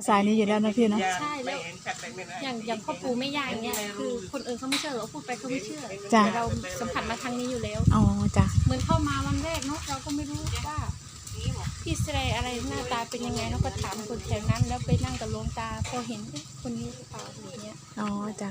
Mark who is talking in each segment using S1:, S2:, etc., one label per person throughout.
S1: สายนี้อยู่แล้วนะพี่เนาะ
S2: ใช่แล้วอย่างพ่อปู่แม่ย่าอย่างเงี้ยคือคนอื่นเขาไม่เชื่อเราพูดไปเขาไม่เชื่อแต่เราสัมผัสมาทางนี้อยู่แล้ว
S1: อ๋อจ้ะ
S2: เหมือนเข้ามาวันแรกเนาะเราก็ไม่รู้ว่าพี่แสดงอะไรหน้าตาเป็นยังไงเราก็ถามคนแถวนั้นแล้วไปนั่งกับหลวงตาพอเห็นคนนี้หรือเปล่าอย่างเงี้ย
S1: อ๋อจ้ะ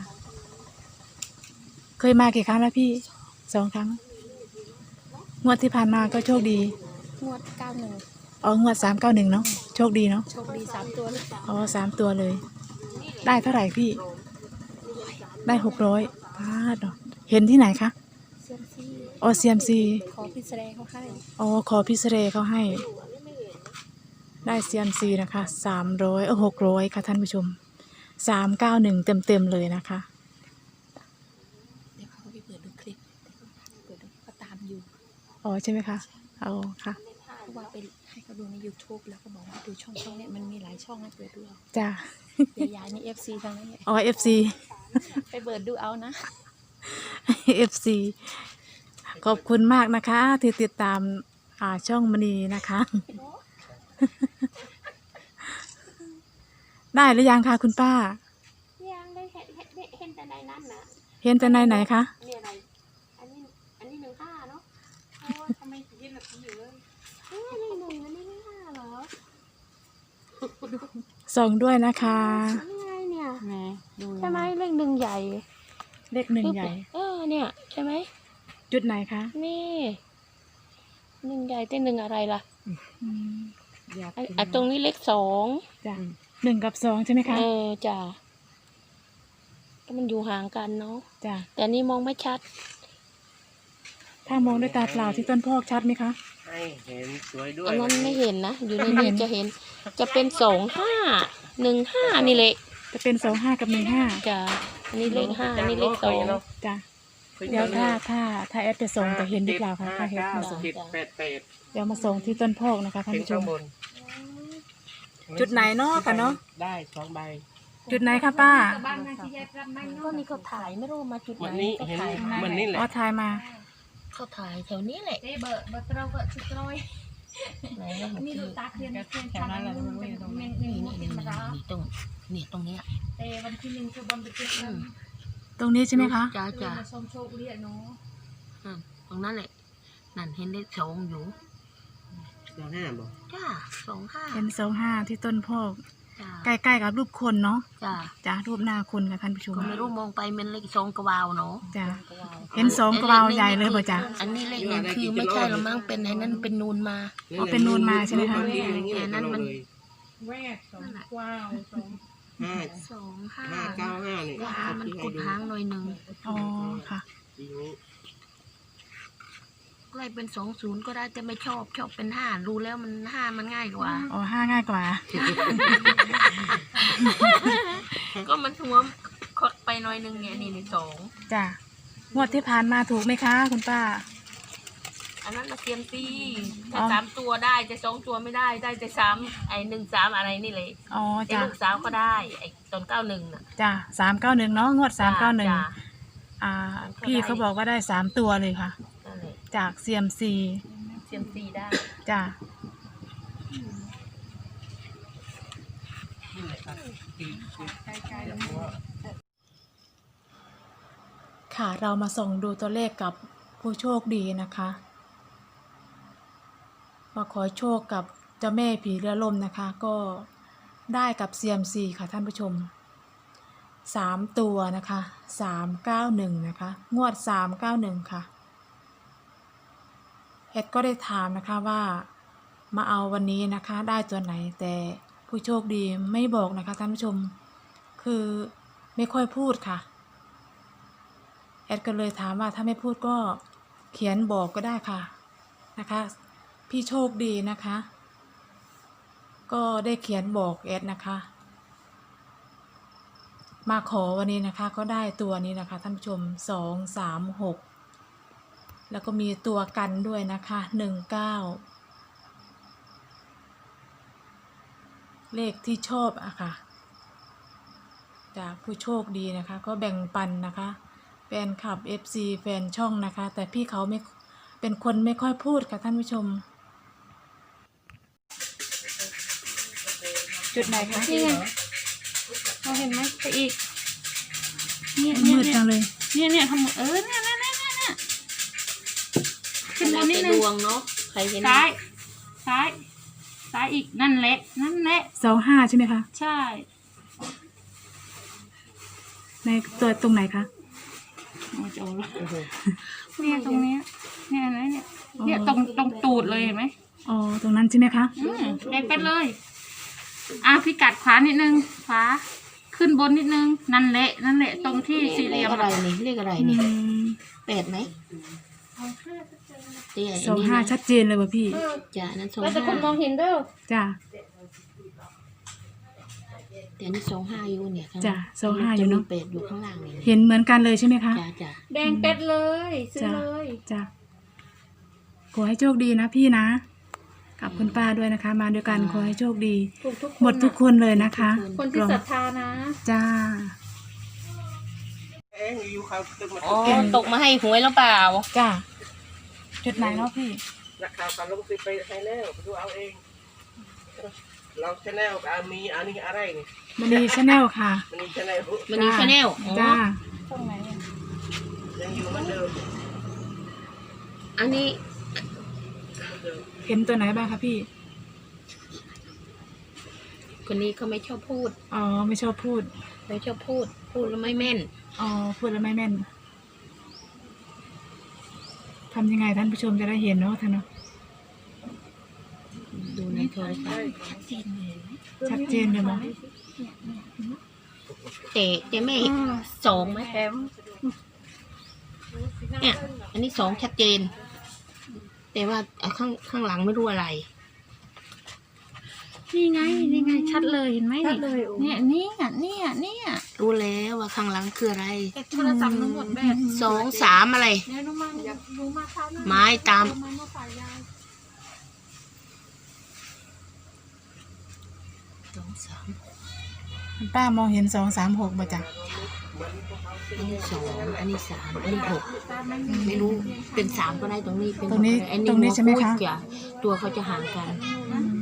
S1: เคยมากี่ครั้งแล้วพี่2 ครั้งงวดที่ผ่านมาก็โชคดี
S2: งวด91
S1: อ๋องวด391เนาะโชคดีเนาะ
S2: โชคดี3 ตัวเลย
S1: อ๋อ3 ตัวเลยได้เท่าไหร่พี่ได้600พาดเนาะเห็นที่ไหนคะ
S2: เซียมซี
S1: อ๋อเซียมซี
S2: ขอพี่แสดงเขาให้
S1: อ๋อขอพิเศษเขาให้ได้เซียมซีนะคะ300 600ค่ะท่านผู้ชม391เต็มเลยนะคะ
S2: เดี๋ยวเขาไปเปิดดูคลิปเปิดดูก็ตามอยู่
S1: อ๋อใช่ไหมคะอ๋อค่ะ
S2: เพราะว่าไปให้เขาดูใน YouTube แล้วก็บอกว่าดูช่องเนี้ยมันมีหลายช่องให้เปิดดูเอา
S1: จ้ะ
S2: ยายนี่ FC ทางนั้นเนี่ย
S1: อ๋อ FC
S2: ไปเปิดดูเอานะ
S1: FC ขอบคุณมากนะคะที่ติดตามช่องมณีนะคะได้หรือยังคะคุณป้า
S2: ยังได้เห็นแต่ในนั้นนะ
S1: เห็นแต่ในไหนคะ
S2: นี่อะไรอันนี้15เนาะทำไมถึงเห็นแบบนี้อยู่เลยเลข 1อันนี้เลข5เหรอ
S1: ส่งด้วยนะคะ
S2: นี่ไงเนี่ยใช่ไหมเลข1ใหญ่
S1: เลข1ใหญ่
S2: เนี่ยใช่ไหม
S1: จุดไหนคะ
S2: นี่1ใหญ่แต่1อะไรล่ะตรงนี้เลข2
S1: จ้ะ1กับ2ใช่ไหมคะ
S2: จ้ะก็มันอยู่ห่างกันเนาะ
S1: จ้ะ
S2: แต่นี่มองไม่ชัด
S1: ถ้ามองด้วยตาเปล่าที่ต้นพอกชัดไหมคะ
S3: ให้เห็นสวยด้วย
S2: อันนั้นไม่เห็นนะอยู่ในนี้จะเห็นจะเป็น2515นี่เลย
S1: จะเป็น25กับ15
S2: จ้ะอันนี้เลข5อันนี้เลข2
S1: จ้ะเดี๋ยวถ้าแอดจะส่งจะเห็นหรือเปล่าคะถ้าแอดมาส่งเดี๋ยวมาส่งที่ต้นพอกนะคะท่านผู้ชมจุดไหนเนาะกันเนาะ
S3: ได้2 ใบ
S1: จุดไหนคะป้า
S2: ก็นี่เขาถ่ายไม่รู้มาจุดไหน
S3: วันนี้เห็นมันนี่แหละ
S1: อ๋อถ่ายมา
S2: เขาถ่ายแถวนี้แหละเบอร์เราก็ชุดร้อยนี่ดูตาเทียนแถวนั้นแหละเป็นตรงนี้ตรงนี้แต่วันที่1คือบนไปจุดนั้น
S1: ตรงนี้ใช่ไหมคะ
S2: จ้าส้มโชคเรียกเนาะตรงนั้นแหละนั่นเห็นเลข2อยู่
S3: 25บ่
S2: จ้า25
S1: เห็น25ที่ต้นพอกใกล้ๆกับรูปคนเนาะจ้ารูปหน้าคนค่ะท่านผู้ชม
S2: ก็ไม่รู้มองไปเป็นเลข2กวาวเนาะ
S1: จ้าเห็น2กวาวใหญ่เลยป่ะจ้า
S2: อันนี้เลข1คือไม่ใช่หรอกมั้งเป็นไอ้นั่นเป็นนูนมา
S1: อ๋อเป็นนูนมาใช่ไหมคะ
S2: แต่นั้นมัน
S4: แวก2 กวาว
S3: 595นี่
S2: มันกุดหางหน่อยนึง
S1: อ๋อค่ะ
S2: ก็เลยเป็น20ก็ได้แต่ไม่ชอบเป็น5รู้แล้วมัน5มันง่ายกว่า
S1: อ๋อ5ง่ายกว่า
S2: ก็มันหัวคดไปหน่อยนึงเนี่ยนี่2
S1: จ้ะงวดที่ผ่านมาถูกไหมคะคุณป้า
S2: อันนั้นมาเซียมซีถ้า3 ตัวได้จะ2 ตัวไม่ได้แต่3ไอ้13อะไรนี่เลย
S1: อ๋อจ้ะ
S2: ลูกสาวก็ได้ไอ้ตอน91น่ะ
S1: จ้ะ391เนาะงวด391พี่เขาบอกว่าได้3 ตัวเลยค่ะจากเซียมซี
S2: ได้
S1: จ้ะค่ะเรามาส่องดูตัวเลขกับผู้โชคดีนะคะมาขอโชคกับเจ้าแม่ผีเรือล่มนะคะก็ได้กับเซียมซีค่ะท่านผู้ชม3 ตัวนะคะ391นะคะงวด391ค่ะแอดก็ได้ถามนะคะว่ามาเอาวันนี้นะคะได้ตัวไหนแต่ผู้โชคดีไม่บอกนะคะท่านผู้ชมคือไม่ค่อยพูดค่ะแอดก็เลยถามว่าถ้าไม่พูดก็เขียนบอกก็ได้ค่ะนะคะพี่โชคดีนะคะก็ได้เขียนบอกแอดนะคะมาขอวันนี้นะคะก็ได้ตัวนี้นะคะท่านผู้ชม236แล้วก็มีตัวกันด้วยนะคะ19เลขที่ชอบอะค่ะจากผู้โชคดีนะคะก็แบ่งปันนะคะแฟนคลับ FC แฟนช่องนะคะแต่พี่เขาไม่เป็นคนไม่ค่อยพูดค่ะท่านผู้ชมจุดไหนคะ
S2: นี่ไงเราเห็นไหมไปอีกเนี่ย
S1: มืดจังเลย
S2: เนี่ยทำเนี่ยขึ้นบนนิดนึง
S5: ดวงเนาะใครเห็น
S2: ซ้ายอีกนั่นแหละ
S1: 25ใช่ไหมคะ
S2: ใช่
S1: ในตัวตรงไหนคะ
S2: โอ้โห
S3: โอ้โห
S2: เนี่ยตรงเนี้ยเนี่ยอะไรเนี่ยตรงตูดเลยเห็นไหม
S1: อ๋อตรงนั้นใช่ไหมคะ
S2: แดงไปเลยพิกัดขวานิดนึงขวาขึ้นบนนิดนึงนั่นแหละตรงที่สี่เห
S5: เล
S2: ลี่ย
S5: ข
S2: ม
S5: อะไรนี่เลขอะไร
S1: อื
S5: นี่
S1: ม
S5: 8ไหมเตี้ย
S1: 25ชัดเจนเลยว่ะพี่
S5: จ้ะนั่น
S2: แล้วแต่คนมอง
S5: 25
S2: เห็นเด้อ
S1: จ้า
S5: แต่นี่25อยู่เนี่ยข้าง
S1: จ้ะ25อยู่เนอะ
S5: จมี8อยู่ข้างล่างนี่
S1: เห็นเหมือนกันเลยใช่ไหมคะ
S5: จ้ะ
S2: แดงเป็ดเลยซื้อ
S1: จ้ะ
S2: เลย
S1: จ้าขอให้โชคดีนะพี่นะกับคุณป้าด้วยนะคะ มาด้วยกันขอให้โชคดี
S2: ถูกทุกคน
S1: หมดทุกคนเลยนะคะ
S2: คนที่ศรัทธานะ
S1: จ้า
S3: เอ๊ะอยู่เขาตึกมา
S5: อ๋อตกมาให้หวยแล้วเปล่า
S1: จ้าจุดไหนเนาะพี่
S3: นักข่าวเขาลงสิไปให้แล้วไปดูเอาเองเราชแนลมีอันนี้อะไรนี่
S1: มณีชาแนลค่ะ
S3: มันนี่ชแนล
S5: มันนี่ชาแนล
S1: จ้า
S2: ตรงไหนอะ
S3: ยังอยู่เหมือนเดิม
S5: อันนี้
S1: เห็นตัวไหนบ้างคะพี่
S5: คนนี้เขาไม่ชอบพูด
S1: อ๋อไม่ชอบพูด
S5: ไม่ชอบพูดแล้วไม่แม่น
S1: อ๋อพูดแล้วไม่แม่นทำยังไงท่านผู้ชมจะได้เห็นเนาะท่านเนาะ
S5: ดูในโทรศัพท์
S1: ชัดเจนเลยมั้ง
S5: แต่แม่สองไหมเนี่ยอันนี้สองชัดเจน แต่ว่าข้างหลังไม่รู้อะไร
S2: นี่ไงชัดเลยเห็นไหมเนี่ย
S5: รู้แล้วว่าข้างหลังคืออะไร
S2: แต่โทรศัพท์มันหมดแบต
S5: 2 3อะไร
S2: เนี่ยน้องมันรู้มาเช้านะ
S5: ไม้ตาม
S2: มันมาฝ่ายยาย
S5: 2 3
S1: คุณป้ามองเห็น236บ่จ้ะ
S5: อันนี้2อันนี้3อันนี้6ไม่รู้เป็น3ก็ได้ตรงนี้เป็น
S1: ตรงนี้
S5: อั
S1: ตรงนี้ใช่ไหมคะ
S5: หัวจ้ตัวเขาจะห่างกัน
S1: อืม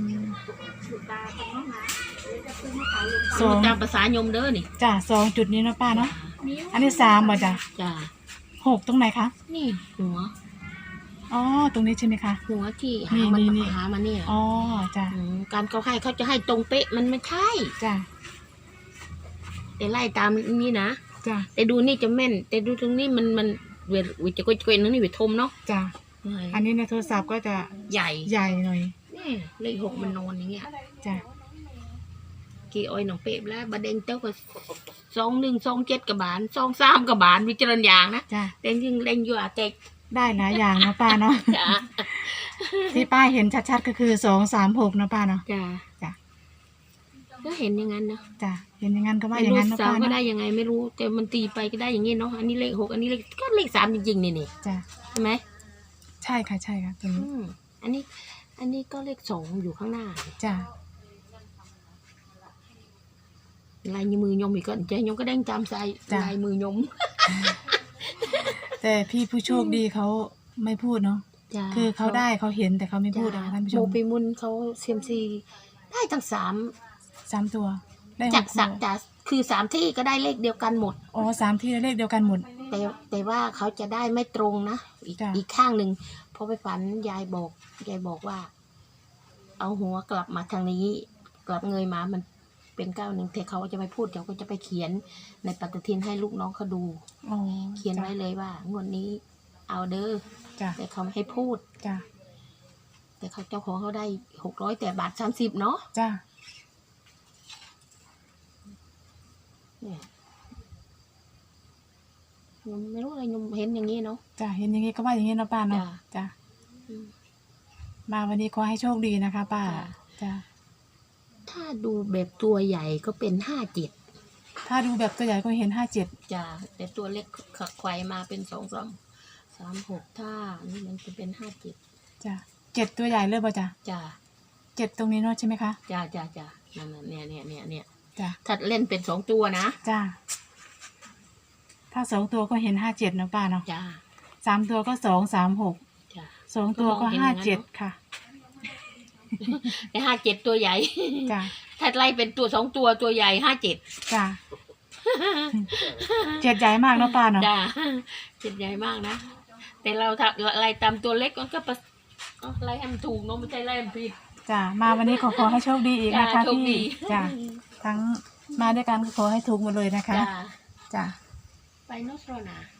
S5: สองตามภาษาโยมเด้อนี่
S1: จ้ะ2จุดนี้เนาะป้าเนาะอันนี้3บ่จ้ะ
S5: จ้า
S1: 6ตรงไหนคะ
S5: นี่หัว
S1: อ๋อตรงนี้ใช่ไหมคะ
S5: หัวที่หามัน
S1: นี่
S5: หามันเนี่ย
S1: อ๋อจ้ะ
S5: การเขาให้เขาจะให้ตรงเป๊ะมันไม่ใช่
S1: จ้ะ
S5: แต่ไล่ตามนี่นะ
S1: จ้ะ
S5: แต่ดูนี่จะแม่น แต่ดูตรงนี้มันเวจะก็นึงนี่เวทมเนาะ
S1: จ้ะอันนี้ในโทรศัพท์ก็จะ
S5: ใหญ่
S1: ใหญ่หน่อย
S5: นี่เลข6มันนอนอย่างเงี้ย
S1: จ้ะ
S5: กี่อ้อยหนองเป๊ะแล้วบะเด้งเต้าก็21 27กับบาน23กับบานวิจารณญาณนะ
S1: จ้ะ
S5: แต่จริงเล่นอยู่อาเต็ก
S1: ได้หลายอย่างเนาะป้าเนาะ
S5: จ้า
S1: ที่ป้าเห็นชัดๆก็คือ236เนาะป้าเนาะ
S5: จ้า
S1: จ้ะ
S5: ก็เห็นอย่างนั้นนะ
S1: จ้ะเห็นอย่างนั้นก็ว่า
S5: ไม่
S1: อย่าง
S5: รู้
S1: นั้นเนาะ
S5: สาม
S1: ป้า
S5: ก็
S1: เนาะ
S5: ได้ยังไงไม่รู้ แต่มันตีไปก็ได้อย่างงี้เนาะอันนี้เลข6อันนี้เลขก็เลข3จริงๆนี่
S1: จ้ะ
S5: ใช่ไหม
S1: ใช่ค่ะใช่ค่ะตรงนี้
S5: อันนี้ก็เลข2อยู่ข้างหน้า
S1: จ้ะ
S5: ลายมือยมอีกก็ใจยมก็เด้งตามใจลายมือยม
S1: แต่พี่ผู้โชคดีเขาไม่พูดเนาะ
S5: จ้า
S1: คือเขาได้เขาเห็นแต่เขาไม่พูดนะคะท่านผู้ช
S5: โม
S1: ม
S5: ปีมุนเขาเซียมซีได้ทั้ง
S1: 3ตัวได้
S5: 3
S1: ห
S5: จาก
S1: ก
S5: สัก
S1: ตัว
S5: จากคือ3ที่ก็ได้เลขเดียวกันหมด
S1: อ๋อ3ที่เลขเดียวกันหมด
S5: แต่ว่าเขาจะได้ไม่ตรงนะ
S1: จ้ะ
S5: อีกข้างหนึ่งพอไปฝันยายบอกว่า เอาหัวกลับมาทางนี้ กลับเงยมามันเป็น9 1แต่เขาจะไม่พูดเขาก็จะไปเขียนในปฏิทินให้ลูกน้องเขาดู
S1: อ๋อ
S5: เขียนไว้เลยว่างวดนี้ เอาเด้อ
S1: จ้ะ
S5: แต่เขาไม่ให้พูด
S1: จ้ะ
S5: แต่เขาเจ้าของเขาได้600แต่บาท30เนาะ
S1: จ้ะ
S5: เนี่ยยมไม่รู้อะไรยมเห็นอย่างนี้เนาะ
S1: จ้ะเห็นอย่างงี้ก็ว่าอย่างงี้เนาะป้าเนาะ
S5: จ้ะ
S1: จ้ะ
S5: อืม
S1: มาวันนี้ขอให้โชคดีนะคะ ป้า
S5: จ้ะ
S1: จ้ะ
S5: ถ้าดูแบบตัวใหญ่ก็เป็น57
S1: ถ้าดูแบบตัวใหญ่ก็เห็น57
S5: จ้ะแต่ตัวเล็กขักไขวมาเป็น2 3 3 6ถ้านี่มันจะเป็น57
S1: จ้ะ7ตัวใหญ่เลยบ่จ้ะ
S5: จ้ะ
S1: 7ตรงนี้เนาะใช่ไหมคะ
S5: จ้ะนั่นน่ะเนี่ย
S1: จ้ะ
S5: ถ้าเล่นเป็น2ตัวนะ
S1: จ้ะถ้า2ตัวก็เห็น57เนาะป้าเนาะ
S5: จ้ะ
S1: 3ตัวก็2 3 6
S5: จ้ะ
S1: 2ตัวก็
S5: ก็มองเห็นอย่างนั้นเนอะ
S1: 57ค่ะ
S5: แต่57ตัวใหญ่
S1: จ้ะ
S5: ถ้าไล่เป็นตัว2ตัวตัวใหญ่57
S1: จ้ะเจ็ดใหญ่มากเนาะป้าเนาะ
S5: จ้า7ใหญ่มากนะแต่เราถ้าไล่ตามตัวเล็กมันก็ไล่ให้มันถูกเนาะไม่ใช่ไล่มันผิด
S1: จ้ะมาวันนี้ขอให้โชคดีอีกนะคะ
S5: จ้ะโชคดี
S1: พี่จ้ะทั้งมาด้วยกันก็ขอให้ถูกหมดเลยนะคะ
S5: จ้า
S1: จ้ะ
S5: ไปโนสโรนา